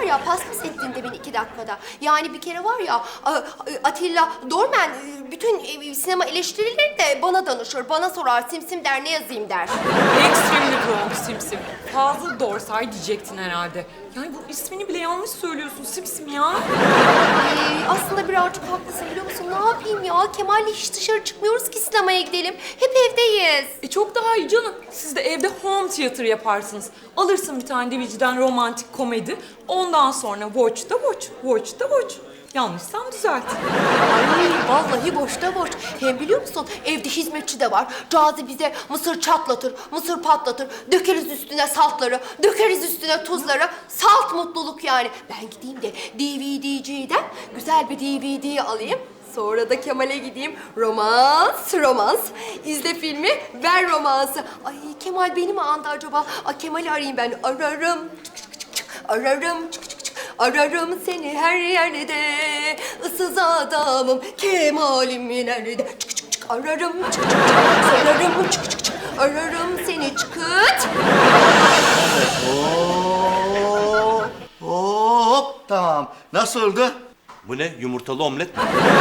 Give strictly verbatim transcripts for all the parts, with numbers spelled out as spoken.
ya paspas ettin demin iki dakikada. Yani bir kere var ya A- Atilla Dorman bütün sinema eleştirileri de bana danışır. Bana sorar Simsim der ne yazayım der. Extremely wrong Simsim. Fazla Dorsay diyecektin herhalde. Yani bu ismini bile yanlış söylüyorsun Simsim ya. Ee, aslında birazcık haklısın biliyor musun? Ne yapayım ya? Kemal'le hiç dışarı çıkmıyoruz ki sinemaya gidelim. Hep evdeyiz. E çok daha iyi canım. Siz de evde home theater yaparsınız. Alırsın bir tane D V D'den romantik komedi. Ondan sonra watch da watch, watch da watch. Yanlışsam düzelt. Ay vallahi boşta boş. Hem biliyor musun evde hizmetçi de var. Cazi bize mısır çatlatır, mısır patlatır. Dökeriz üstüne saltları, dökeriz üstüne tuzları. Salt mutluluk yani. Ben gideyim de D V D'ciden güzel bir D V D alayım. Sonra da Kemal'e gideyim. Romans, romans. İzle filmi, ver romansı. Ay Kemal beni mi andı acaba? Ay Kemal'i arayayım ben. Ararım. Çık çık çık çık. Ararım. Çık çık çık. Ararım seni her yerde. Issız adamım. Kemal'im nerede? Çık çık çık. Ararım. Çık çık çık. Sorarım. Çık çık çık. Ararım seni çıkıt. Hop, hop, tamam. Nasıl oldu? Bu ne? Yumurtalı omlet mi?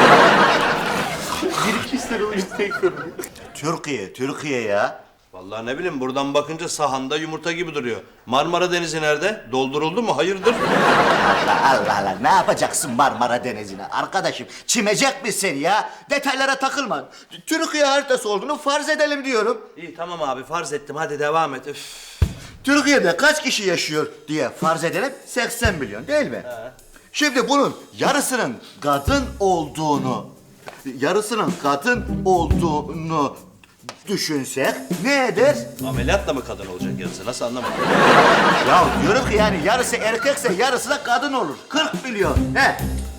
Bir iki sene Türkiye, Türkiye ya. Vallahi ne bileyim buradan bakınca sahanda yumurta gibi duruyor. Marmara Denizi nerede? Dolduruldu mu? Hayırdır? Allah Allah Allah, ne yapacaksın Marmara Denizi'ne? Arkadaşım, çimecek misin ya? Detaylara takılma. Türkiye haritası olduğunu farz edelim diyorum. İyi tamam abi farz ettim hadi devam et. Üf. Türkiye'de kaç kişi yaşıyor diye farz edelim, seksen milyon değil mi? He. Şimdi bunun yarısının kadın olduğunu, yarısının kadın olduğunu düşünsek ne eder? Ameliyatla mı kadın olacak yarısı? Nasıl anlamadım? Ya diyorum ki yani yarısı erkekse yarısı da kadın olur. kırk milyon. He.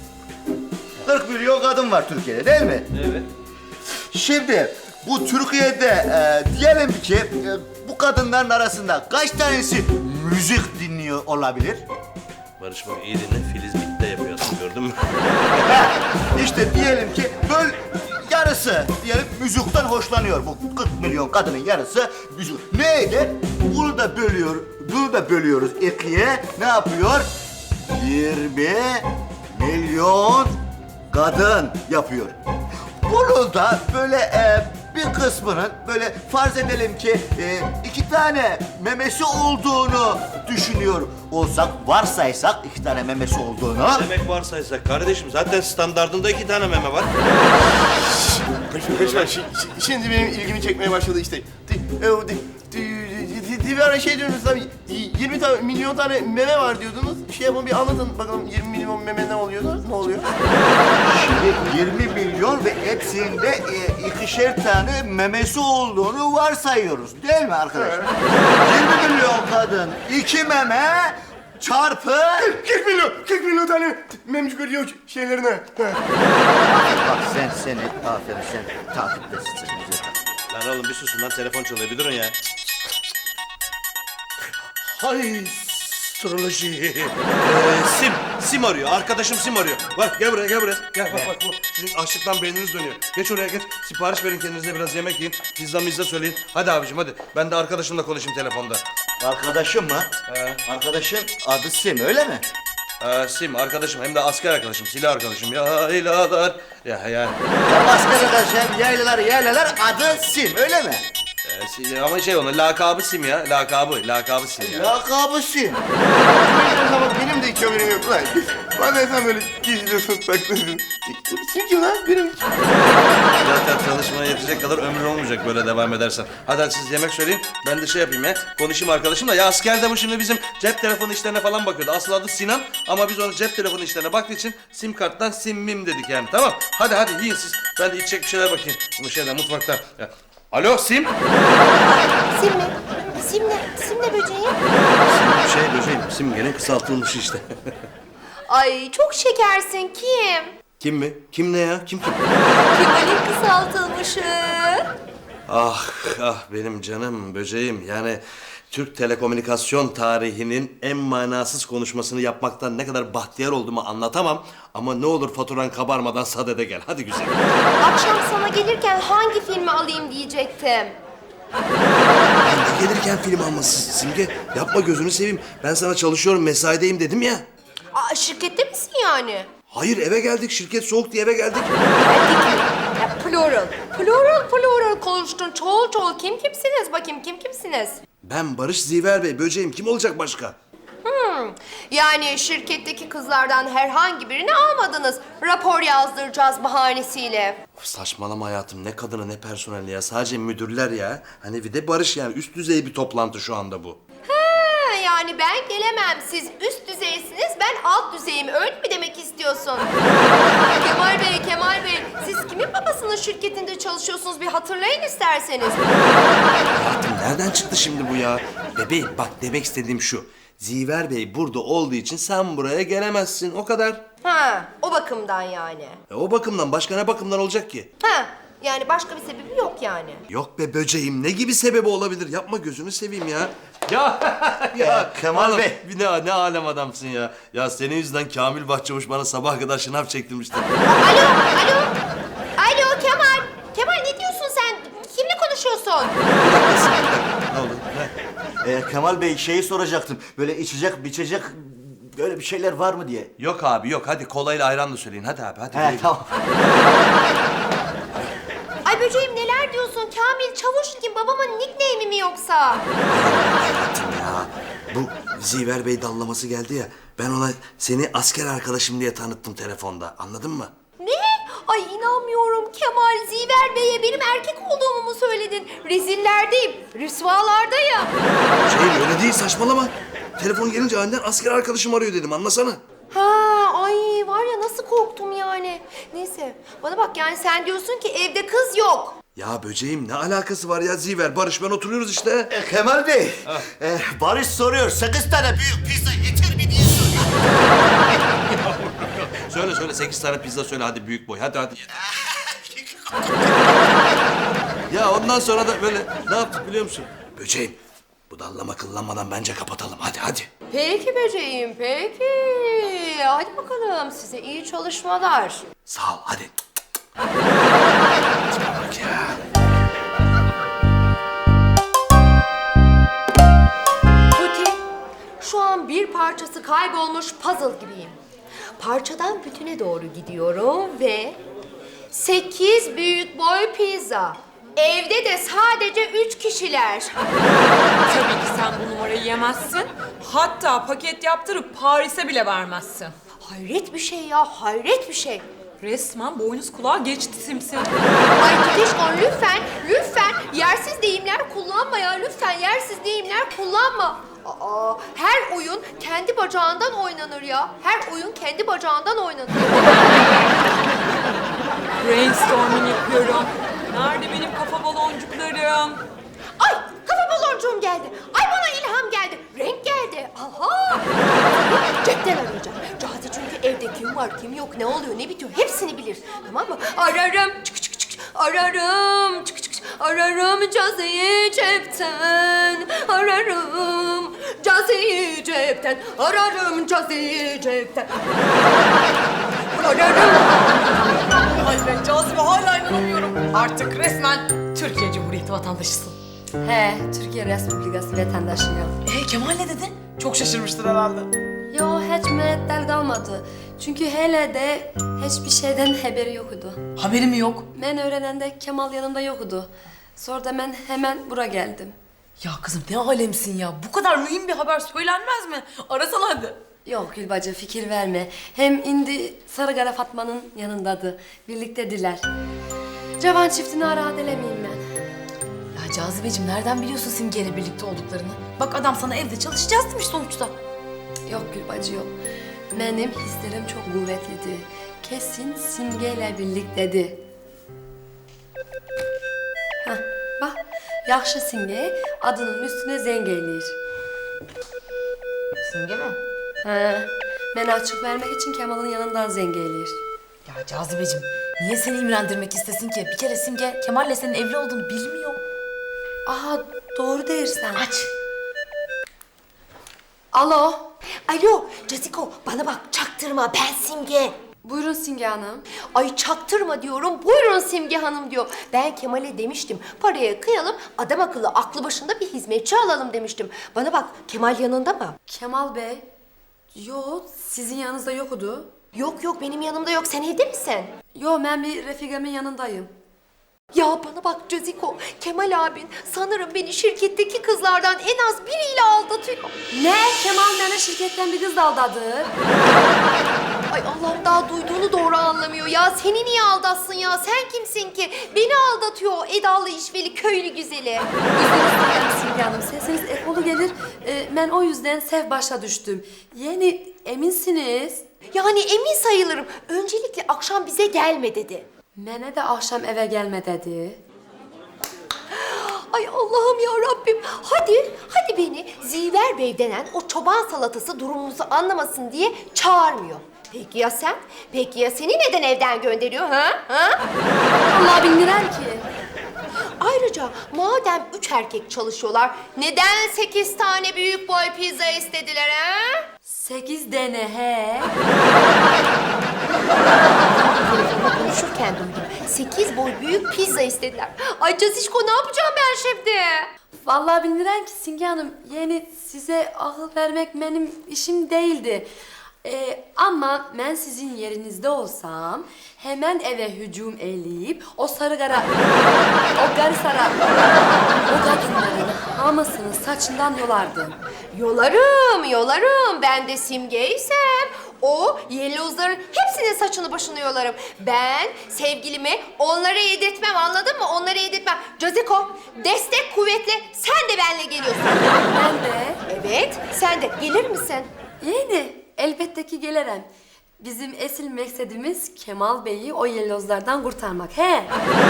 kırk milyon kadın var Türkiye'de değil mi? Evet. Şimdi bu Türkiye'de e, diyelim ki e, bu kadınların arasında kaç tanesi müzik dinliyor olabilir? Barış bak iyi dinle Filiz bitti yapıyorsun gördün mü? İşte diyelim ki böyle yarısı diyelim müzikten hoşlanıyor. Bu kırk milyon kadının yarısı müzik. Ne eder? Bunu da bölüyor, bunu da bölüyoruz ikiye. Ne yapıyor? yirmi milyon kadın yapıyor. Bunu da böyle e, bir kısmının böyle farz edelim ki e, iki tane memesi olduğunu düşünüyor olsak, varsaysak iki tane memesi olduğunu. Demek varsaysak kardeşim zaten standardında iki tane meme var. Kaçma, şi- şi- şimdi benim ilgimi çekmeye başladı işte. Di- e, o di- di- di- di- Bir ara şey diyorsunuz abi, yirmi tane, milyon tane meme var diyordunuz. Şey yapın bir anlatın bakalım yirmi milyon meme ne oluyordu, ne oluyor? Şimdi yirmi milyon ve hepsinde e, ikişer tane memesi olduğunu varsayıyoruz. Değil mi arkadaşlar? yirmi milyon kadın, iki meme çarpı... kırk milyon, kırk milyon tane memcik görüyor şeylerine. Ha. Bak sen seni, aferin sen takiptesin. Lan oğlum bir susun lan telefon çalıyor bir durun ya. Hay astroloji. Ee, Sim, Sim arıyor. Arkadaşım Sim arıyor. Bak gel buraya, gel buraya. Gel bak bak bu. Sizin açlıktan beyniniz dönüyor. Geç oraya geç. Sipariş verin kendinize biraz yemek yiyin. Pizza mizza söyleyin. Hadi abicim hadi. Ben de arkadaşımla konuşayım telefonda. Arkadaşım mı? He. Arkadaşın adı Sim öyle mi? Ee, Sim arkadaşım hem de asker arkadaşım, silah arkadaşım. Ya ilalar. Ya yani. Ya başka arkadaşım yaylalar yaylalar adı Sim öyle mi? Ee, si- ama şey onun lakabı Sim ya. Lakabı, lakabı Sim ya. Lakabı Sim. Ama benim de hiç haberim yok lan. Bazen sen böyle gizliyorsun, saklıyorsun. Kim ki lan? Benim Zaten çalışmaya yetecek kadar ömrün olmayacak böyle devam edersen. Hadi, hadi siz yemek söyleyin. Ben de şey yapayım ya. Konuşayım arkadaşımla. Ya askerde bu şimdi bizim cep telefonu işlerine falan bakıyordu. Asıl adı Sinan ama biz onu cep telefonu işlerine baktığı için sim karttan simmim dedik yani. Tamam. Hadi hadi yiyin siz. Ben de içecek bir şeyler bakayım. Bu şeyden mutfaktan. Ya. Alo Sim. Sim mi? Sim ne? Sim ne böceği? Şey böceğim. Sim gene kısaltılmış işte. Ay çok şekersin kim? Kim mi? Kim ne ya? Kim kim? Kemal'in kısaltılmışı. Ah ah benim canım böceğim yani Türk telekomünikasyon tarihinin en manasız konuşmasını yapmaktan ne kadar bahtiyar olduğumu anlatamam. Ama ne olur faturan kabarmadan sadede gel. Hadi güzel. Akşam sana gelirken hangi filmi alayım diyecektim. Ben de gelirken film alması Simge. Yapma gözünü seveyim. Ben sana çalışıyorum mesaideyim dedim ya. Aa, şirkette misin yani? Hayır, eve geldik. Şirket soğuk diye eve geldik. Ya, plural. Plural plural konuştun. Çoğul çoğul. Kim kimsiniz bakayım? Kim kimsiniz? Ben Barış Ziver Bey, böceğim. Kim olacak başka? Hmm. Yani şirketteki kızlardan herhangi birini almadınız. Rapor yazdıracağız bahanesiyle. Of, saçmalama hayatım. Ne kadını ne personeli ya. Sadece müdürler ya. Hani bir de Barış yani. Üst düzey bir toplantı şu anda bu. Ha, yani ben gelemem. Siz üst düzeysiniz, ben alt düzeyim. Öyle mi demek istiyorsun? Kemal Bey, Kemal Bey. Siz kimin babasının şirketinde çalışıyorsunuz? Bir hatırlayın isterseniz. Hayatım nereden çıktı şimdi bu ya? Bebeğim bak demek istediğim şu. Ziver Bey burada olduğu için sen buraya gelemezsin. O kadar. Ha, o bakımdan yani. E, o bakımdan başka ne bakımdan olacak ki? Ha, yani başka bir sebebi yok yani. Yok be böceğim. Ne gibi sebebi olabilir? Yapma gözünü seveyim ya. Ya ya Kemal oğlum, Bey. Bir ne, ne alem adamsın ya. Ya senin yüzünden Kamil Bahçavuş bana sabah kadar şınav çektirmişti. Alo, alo. Alo Kemal. Kemal ne diyorsun sen? Kimle konuşuyorsun? Ne oldu? Ne? Ee, Kemal Bey şeyi soracaktım. Böyle içecek, biçecek böyle bir şeyler var mı diye. Yok abi yok. Hadi kolayla ayran da söyleyin. Hadi abi hadi. He tamam. Ay böceğim neler diyorsun? Kamil Çavuş kim? Babamın nickname'i mi yoksa? Hayatım ya. Bu Ziver Bey dallaması geldi ya. Ben ona seni asker arkadaşım diye tanıttım telefonda. Anladın mı? Ne? Ay inanmıyorum Kemal. Ziver Bey'e benim erkek olduğumu mu söyledin? Rezillerdeyim, rüsvalardayım. Şey öyle değil saçmalama. Telefon gelince aniden asker arkadaşım arıyor dedim anlasana. Ha, ay var ya nasıl korktum yani. Neyse bana bak yani sen diyorsun ki evde kız yok. Ya böceğim ne alakası var ya Ziver? Barış ben oturuyoruz işte. Ee, Kemal Bey, e, Barış soruyor. Sekiz tane büyük pizza yeter mi diye soruyor. Söyle söyle sekiz tane pizza söyle hadi büyük boy hadi hadi. Ya ondan sonra da böyle ne yaptık biliyor musun? Böceğim bu dallama kıllanmadan bence kapatalım hadi hadi. Peki böceğim peki. Hadi bakalım size iyi çalışmalar. Sağ ol hadi. Tipe bak ya. Tuti, şu an bir parçası kaybolmuş puzzle gibiyim. Parçadan bütüne doğru gidiyorum ve sekiz büyük boy pizza. Evde de sadece üç kişiler. Tabii ki sen bu numarayı yemezsin. Hatta paket yaptırıp Paris'e bile vermezsin. Hayret bir şey ya, hayret bir şey. Resmen boynuz kulağa geçti simsim. Ay Tutişkon lütfen, lütfen yersiz deyimler kullanma ya. Lütfen yersiz deyimler kullanma. Aa, her oyun kendi bacağından oynanır ya. Her oyun kendi bacağından oynanır. Brainstorming yapıyorum. Nerede benim kafa baloncuklarım? Ay kafa baloncuğum geldi. Ay bana ilham geldi. Renk geldi. Aha. Cepten arayacağım. Cazi çünkü evde kim var kim yok ne oluyor ne bitiyor hepsini bilir. Tamam mı? Ararım. Çık çık çık. Ararım. Çık çık çık. Ararım Cazi'yi cepten. Ararım Cazi'yi cepten. Ararım Cazi'yi cepten. Ararım. Ay ben Cazibe hala inanamıyorum. Artık resmen Türkiye Cumhuriyeti vatandaşısın. He, Türkiye Respublikası vatandaşıyım. Ee Kemal ne dedi? Çok şaşırmıştır herhalde. Yo, hiç müeddel kalmadı. Çünkü hele de hiçbir şeyden haberi yoktu. Haberim yok. Ben öğrenende Kemal yanımda yoktu. Sonra da ben hemen bura geldim. Ya kızım ne alemsin ya. Bu kadar mühim bir haber söylenmez mi? Arasana hadi. Yok Gülbacı fikir verme. Hem indi Sarıkara Fatma'nın yanındadı. Birliktediler. Cavan çiftini ara edelemeyim ben. Ya Cazibeciğim nereden biliyorsun Simge'yle birlikte olduklarını? Bak adam sana evde çalışacağız demiş sonuçta. Yok Gülbacı yok. Benim hislerim çok kuvvetliydi. Kesin Simge'yle birliktedi. Hah bak yaxşı Simge adının üstüne zengeyleyir. Simge mi? Ha, ben açık vermek için Kemal'ın yanından zengeyleyir. Ya Cazibeciğim niye seni imrendirmek istesin ki? Bir kere Simge Kemal'le senin evli olduğunu bilmiyor. Aha doğru dersen. Aç. Alo. Alo Caziko bana bak çaktırma ben Simge. Buyurun Simge Hanım. Ay çaktırma diyorum. Buyurun Simge Hanım diyor. Ben Kemal'e demiştim. Paraya kıyalım, adam akıllı aklı başında bir hizmetçi alalım demiştim. Bana bak Kemal yanında mı? Kemal Bey Yo, sizin yanınızda yokudu. Yok yok benim yanımda yok. Sen evde misin? Yo, ben bir refikamın yanındayım. Ya bana bak Caziko, Kemal abin sanırım beni şirketteki kızlardan en az biriyle aldatıyor. Ne? Kemal beni şirketten bir kız aldadı. Ay Allah'ım daha duyduğunu doğru anlamıyor ya. Seni niye aldatsın ya? Sen kimsin ki? Beni aldatıyor o Edalı işveli köylü güzeli. Üzgünüm Simge Hanım, sesiniz ekolu gelir. Ee, ben o yüzden sev başa düştüm. Yani eminsiniz. Yani emin sayılırım. Öncelikle akşam bize gelme dedi. Mene de akşam eve gelme dedi. Ay Allah'ım ya Rabbim. Hadi, hadi beni Ziver Bey denen o çoban salatası durumumuzu anlamasın diye çağırmıyor. Peki ya sen? Peki ya seni neden evden gönderiyor ha? Ha? Allah bildiren ki. Ayrıca madem üç erkek çalışıyorlar, neden sekiz tane büyük boy pizza istediler ha? Sekiz dene he. Telefonla konuşurken duydum. Sekiz boy büyük pizza istediler. Ay Cazişko ne yapacağım ben şimdi? Vallahi bildiren ki Simge Hanım, yani size akıl vermek benim işim değildi. Ee, ama ben sizin yerinizde olsam hemen eve hücum eleyip o sarı kara, o garı sara, o kadınların hamasını saçından yolardım. Yolarım, yolarım. Ben de Simge'ysem o yellozların hepsinin saçını başını yolarım. Ben sevgilimi onlara yedirtmem, anladın mı? Onlara yedirtmem. Caziko, destek kuvvetle sen de benimle geliyorsun. Ben de Evet, sen de. Gelir misin? yani elbette ki gelirim. Bizim esil meksedimiz Kemal Bey'i o yellozlardan kurtarmak he.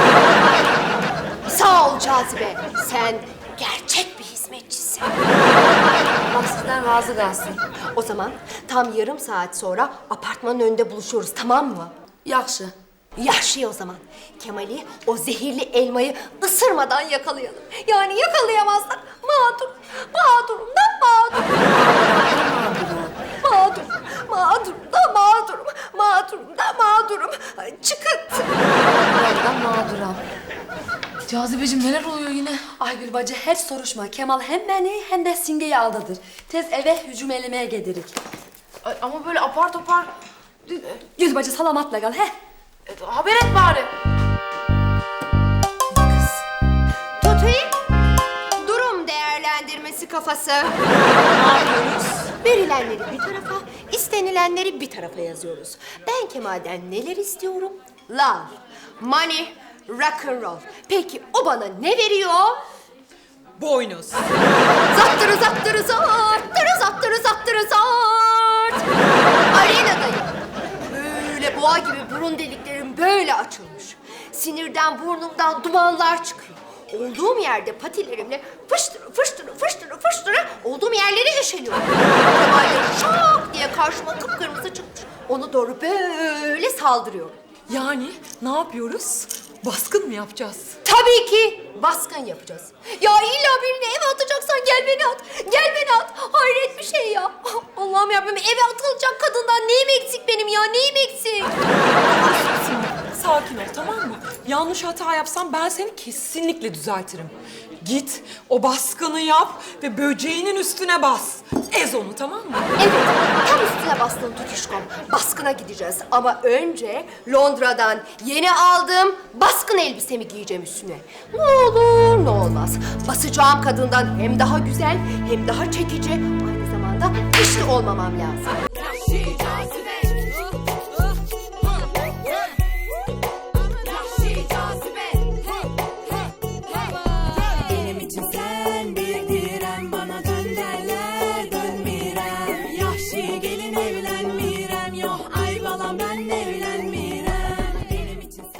Sağ ol Cazibe. Sen gerçek bir hizmetçisin. Allah sizden razı kalsın. O zaman tam yarım saat sonra apartmanın önünde buluşuyoruz, tamam mı? Yakşı. Yaşlı o zaman. Kemal'i o zehirli elmayı ısırmadan yakalayalım. Yani yakalayamazsak mağdur, mağdurum da mağdur. Mağdur, mağdurum da mağdurum, mağdurum da mağdurum. Ay, çıkıt. Ben mağduram. Cazibeciğim neler oluyor yine? Aygül bacı hiç soruşma. Kemal hem beni hem de Simge'yi aldadır. Tez eve hücum elemeye gelirik. Ay, ama böyle apar topar Gül bacı salamatla kal he. e, haber et bari. Tutayım. Durum değerlendirmesi kafası. Ne yapıyoruz? Verilenleri bir tarafa, istenilenleri bir tarafa yazıyoruz. Ben Kemal'den neler istiyorum? Love, money, rock and roll. Peki o bana ne veriyor? Boynuz. Zattırı zattırı zarttırı zattırı zattırı zart. Arenadayım. Böyle boğa gibi burun deliklerim böyle açılmış. Sinirden burnumdan dumanlar çıkıyor. Olduğum yerde patilerimle fıştırı fıştırı fıştırı fıştırı olduğum yerleri eşeliyorum. Kemal de şak diye karşıma kıpkırmızı çıkmış. Onu doğru böyle saldırıyorum. Yani ne yapıyoruz? Baskın mı yapacağız? Tabii ki baskın yapacağız. Ya illa birini eve atacaksan gel beni at. Gel beni at. Hayret bir şey ya. Allah'ım yarabbim, eve atılacak kadından neyim eksik benim ya? Neyim eksik? Sakin ol, tamam mı? Yanlış hata yapsam ben seni kesinlikle düzeltirim. Git o baskını yap ve böceğinin üstüne bas. Ez onu, tamam mı? Evet, tam üstüne bastın tutuşkom. Baskına gideceğiz ama önce Londra'dan yeni aldığım baskın elbisemi giyeceğim üstüne. Ne olur ne olmaz. Basacağım kadından hem daha güzel hem daha çekici, aynı zamanda güçlü olmamam lazım. Benim için sen bir direm, bana dön derler dönmirem. Yahşi gelin evlen.